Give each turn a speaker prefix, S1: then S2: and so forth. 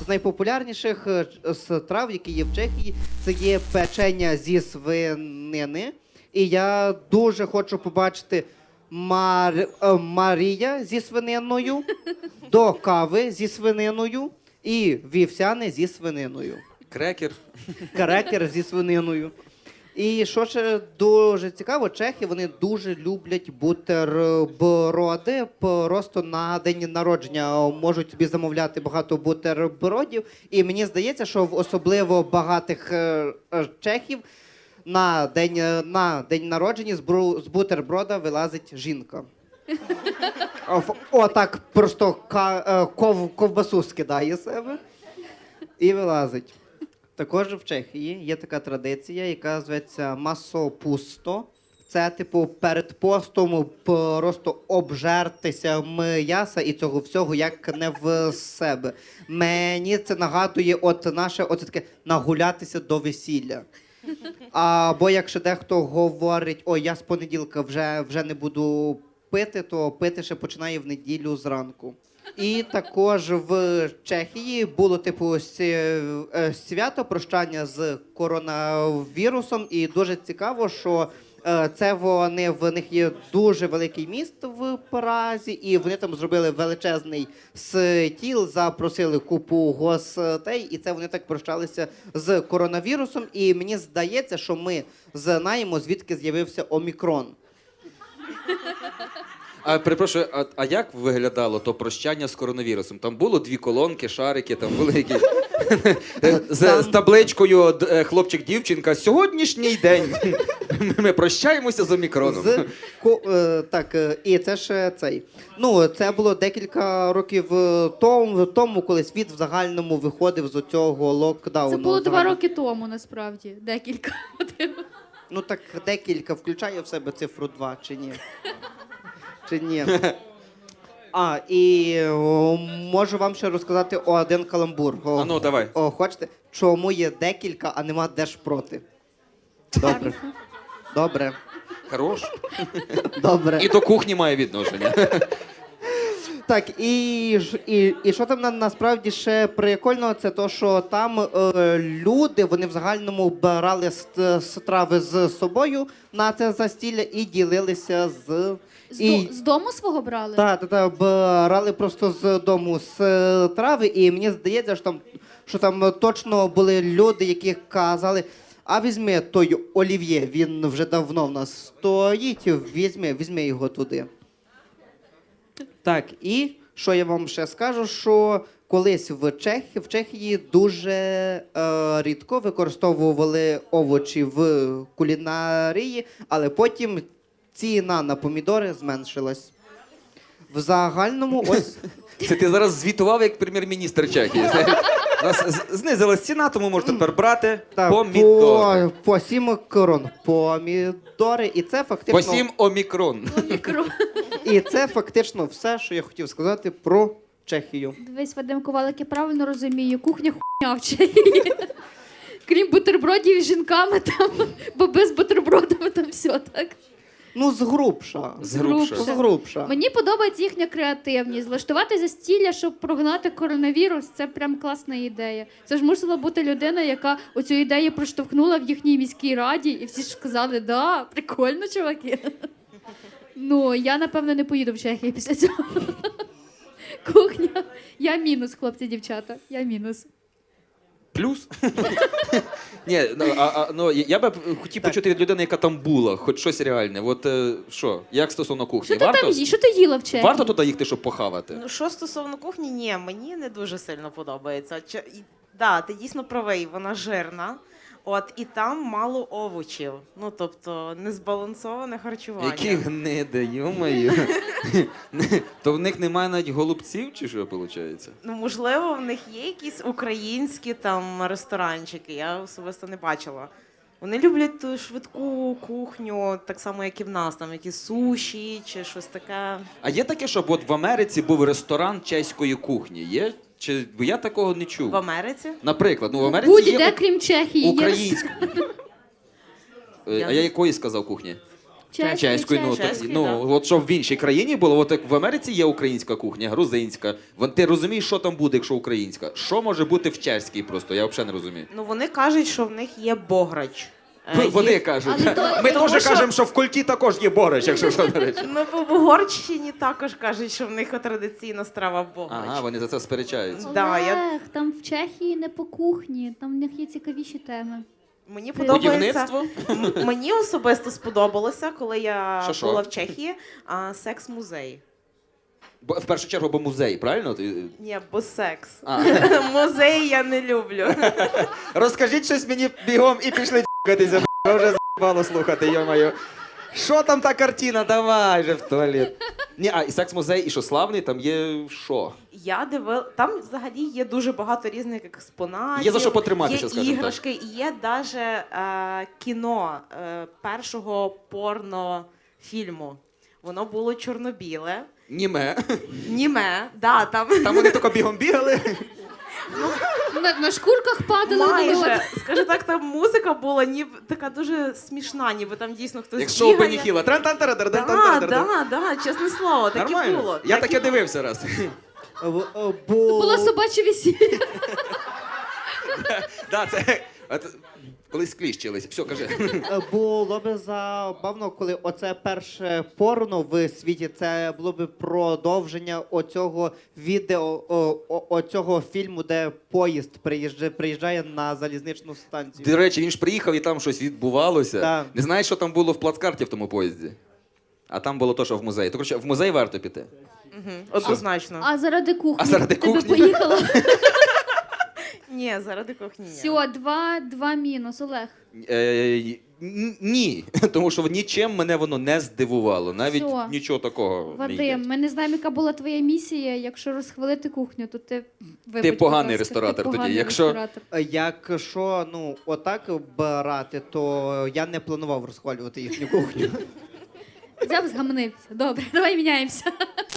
S1: з найпопулярніших страв, які є в Чехії, це є печення зі свинини. І я дуже хочу побачити Марія зі свининою, до кави зі свининою і вівсяне зі свининою.
S2: Крекер.
S1: Крекер зі свининою. І що ще дуже цікаво, чехи, вони дуже люблять бутерброди. Просто на день народження можуть собі замовляти багато бутербродів. І мені здається, що в особливо багатих чехів на день народження з бутерброда вилазить жінка. Отак просто ковбасу скидає з себе і вилазить. Також в Чехії є така традиція, яка зветься масопусто. Це, типу, перед постом просто обжертися м'яса і цього всього, як не в себе. Мені це нагадує наше таке нагулятися до весілля. Або якщо дехто говорить, ой, я з понеділка вже не буду пити, то пити ще починає в неділю зранку. І також в Чехії було типу свято прощання з коронавірусом. І дуже цікаво, що в них є дуже великий міст в Празі, і вони там зробили величезний стіл, запросили купу гостей, і це вони так прощалися з коронавірусом. І мені здається, що ми знаємо, звідки з'явився омікрон.
S2: Перепрошую, а як виглядало то прощання з коронавірусом? Там було 2 колонки, шарики, там були якісь... з табличкою хлопчик-дівчинка. Сьогоднішній день ми прощаємося з омікроном.
S1: Так, і це ще цей. Це було декілька років тому, коли світ в загальному виходив з цього локдауну.
S3: Це було 2 роки тому, насправді. Декілька.
S1: Так декілька включає в себе цифру 2, чи ні? Чи ні? І можу вам ще розказати один каламбур.
S2: Давай.
S1: Хочете? Чому є декілька, а нема Держпроти? Добре. Добре.
S2: Хорош.
S1: Добре.
S2: І до кухні має відношення.
S1: Так, і що там насправді ще прикольно, це то, що там люди, вони в загальному брали страви з собою на це застілля і ділилися з...
S3: З дому свого брали?
S1: Так, брали просто з дому страви, і мені здається, що там точно були люди, які казали, а візьми той олів'є, він вже давно в нас стоїть, візьми його туди. Так, і що я вам ще скажу, що колись в Чехії дуже рідко використовували овочі в кулінарії, але потім ціна на помідори зменшилась. В загальному ось...
S2: Це ти зараз звітував як прем'єр-міністр Чехії. У нас знизилась ціна, тому можна тепер брати помідори.
S1: По 7 крон помідори, і це фактично...
S2: По 7 омікрон.
S1: І це фактично все, що я хотів сказати про Чехію.
S3: Дивись, Вадим Ковалик, я правильно розумію, кухня хуйня в Чехії. Крім бутербродів з жінками там, бо без бутербродами там все, так?
S1: Згрубша.
S2: Згрубша.
S3: Мені подобається їхня креативність. Влаштувати застілля, щоб прогнати коронавірус, це прям класна ідея. Це ж мусила бути людина, яка оцю ідею проштовхнула в їхній міській раді, і всі ж сказали, да, прикольно, чуваки. Я, напевно, не поїду в Чехію після цього. Кухня. Я мінус, хлопці, дівчата. Я мінус.
S2: Плюс? Ні, я би хотів почути від людини, яка там була, хоч щось реальне. От що, як стосовно кухні?
S3: Що ти їла в Чехії?
S2: Варто туди їхати, щоб похавати?
S4: Що стосовно кухні, ні, мені не дуже сильно подобається. Так, ти дійсно правий, вона жирна. І там мало овочів. Тобто, незбалансоване харчування.
S2: Які гниди, йо-моє. То в них немає навіть голубців, чи що виходить?
S4: Можливо, в них є якісь українські там ресторанчики, я особисто не бачила. Вони люблять ту швидку кухню, так само, як і в нас, там якісь суші чи щось таке.
S2: А є таке, щоб от в Америці був ресторан чеської кухні? Є? Бо я такого не чув.
S4: В Америці?
S2: Наприклад, в Америці
S3: Будь-де,
S2: є
S3: крім Чехії.
S2: українська. А я якої сказав кухні? Чеською, ну,
S4: чеською,
S2: ну
S4: да.
S2: от щоб в іншій країні було, от як в Америці є українська кухня, грузинська. Ти розумієш, що там буде, якщо українська? Що може бути в чеській просто? Я взагалі не розумію.
S4: Ну вони кажуть, що в них є бограч.
S2: Вони
S4: Є-
S2: кажуть.
S3: Але то-
S2: Ми
S4: Тому
S2: теж
S4: що-
S2: кажемо, що в культі також є бограч, якщо що, до речі.
S4: Ну, в Угорщині також кажуть, що в них традиційна страва бограч.
S2: Ага, вони за це сперечаються.
S4: Да, я-
S3: Олег, там в Чехії не по кухні, там в них є цікавіші теми.
S4: Мені подобається.
S2: Будівництво?
S4: Мені особисто сподобалося, коли я
S2: Що?
S4: була в Чехії, секс-музей.
S2: Бо, в першу чергу, бо музей, правильно?
S4: Ні, бо секс.
S2: А.
S4: Музей я не люблю.
S2: Розкажіть щось мені бігом і пішли д**катися, б***ь, вже з***бало слухати, йо-моє. Що там та картина? Давай же в туалет. Ні, і секс-музей, і що славний, там є що?
S4: Я дивила, там взагалі є дуже багато різних експонатів.
S2: Є за що потриматися,
S4: є
S2: скажімо так.
S4: іграшки, і є навіть кіно першого порнофільму. Воно було чорно-біле,
S2: Німе.
S4: німе, да, там
S2: Там вони тільки бігом бігали.
S3: На шкурках падали на
S4: майже,
S3: народ.
S4: скажу так, там музика була ніби така дуже смішна, ніби там дійсно хтось
S2: Як шоу
S4: бігає.
S2: Беніхіла.
S4: Да, чесне слово, таке
S2: Нормально.
S4: було.
S2: Я
S4: Так
S2: таке
S4: і
S2: дивився раз.
S3: Було собаче весілля.
S2: Да, це колись кліщились. Все, кажи.
S1: Було б забавно, коли оце перше порно в світі, це було б продовження оцього відео, оцього фільму, де поїзд приїжджає на залізничну станцію.
S2: До речі, він ж приїхав і там щось відбувалося.
S1: Да.
S2: Не знаєш, що там було в плацкарті в тому поїзді? А там було то, що в музеї. То, коротше, в музей варто піти.
S4: Однозначно.
S3: А заради кухні.
S2: А заради
S3: ти би
S2: кухні?
S3: поїхала?
S4: Ні, заради кухні. ні.
S3: Все, два мінус, Олег.
S2: Ні, тому що нічим мене воно не здивувало. Навіть
S3: Всьо.
S2: нічого такого не є.
S3: Вадим, ми не знаємо, яка була твоя місія. Якщо розхвалити кухню, то ти вибач, будь
S2: поганий
S3: ласка,
S2: ресторатор тоді.
S3: поганий
S2: Якщо-
S3: ресторатор.
S1: Якщо отак брати, то я не планував розхвалювати їхню кухню.
S3: Взяв, згамнився. Добре, давай міняємося.